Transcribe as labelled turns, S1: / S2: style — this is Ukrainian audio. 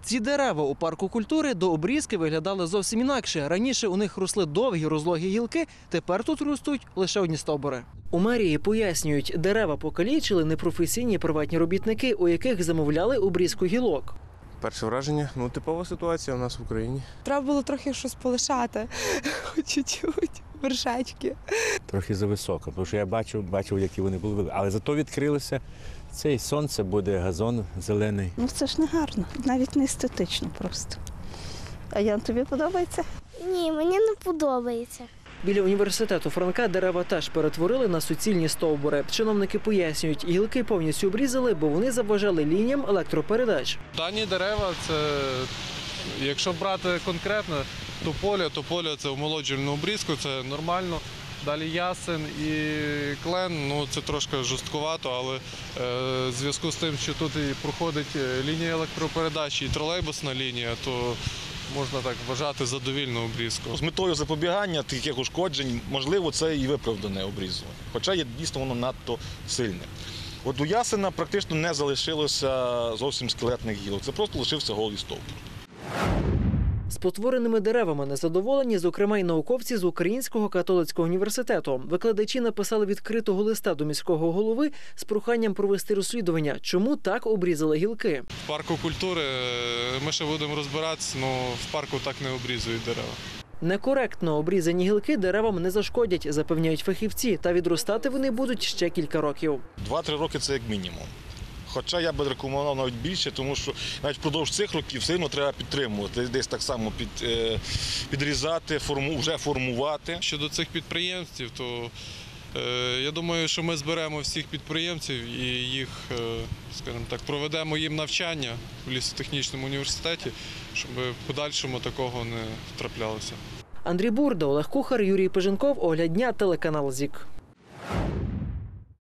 S1: Ці дерева у парку культури до обрізки виглядали зовсім інакше. Раніше у них росли довгі розлогі гілки, тепер тут ростуть лише одні стовбури. У мерії пояснюють, дерева покалічили непрофесійні приватні робітники, у яких замовляли обрізку гілок.
S2: Перше враження, типова ситуація у нас в Україні.
S3: Треба було трохи щось полишати, хоч чуть-чуть, вершечки.
S4: Трохи зависоко, тому що я бачив, які вони були. Але зато відкрилося, це і сонце буде, газон зелений.
S5: Це ж не гарно, навіть не естетично просто. А Ян, тобі подобається?
S6: Ні, мені не подобається.
S1: Біля університету Франка дерева теж перетворили на суцільні стовбури. Чиновники пояснюють, гілки повністю обрізали, бо вони заважали лініям електропередач.
S7: Дані дерева – це, якщо брати конкретно, тополя – це омолоджувальну обрізку, це нормально. Далі ясен і клен, це трошки жорсткувато, але в зв'язку з тим, що тут і проходить лінія електропередач і тролейбусна лінія, то можна так вважати задовільну обрізку.
S8: З метою запобігання таких ушкоджень, можливо, це і виправдане обрізування. Хоча є дійсно воно надто сильне. От у ясена практично не залишилося зовсім скелетних гілок, це просто лишився голий стовбур.
S1: З потвореними деревами незадоволені, зокрема, й науковці з Українського католицького університету. Викладачі написали відкритого листа до міського голови з проханням провести розслідування, чому так обрізали гілки.
S7: В парку культури ми ще будемо розбиратися, але в парку так не обрізують дерева.
S1: Некоректно обрізані гілки деревам не зашкодять, запевняють фахівці, та відростати вони будуть ще кілька років.
S8: 2-3 роки – це як мінімум. Хоча я би рекомендував навіть більше, тому що навіть впродовж цих років все одно треба підтримувати, десь так само підрізати, вже формувати.
S7: Щодо цих підприємців, то я думаю, що ми зберемо всіх підприємців і їх, скажімо так, проведемо їм навчання в лісотехнічному університеті, щоб в подальшому такого не траплялося.
S1: Андрій Бурда, Олег Кухар, Юрій Пиженков, Огляд дня, телеканал ЗІК.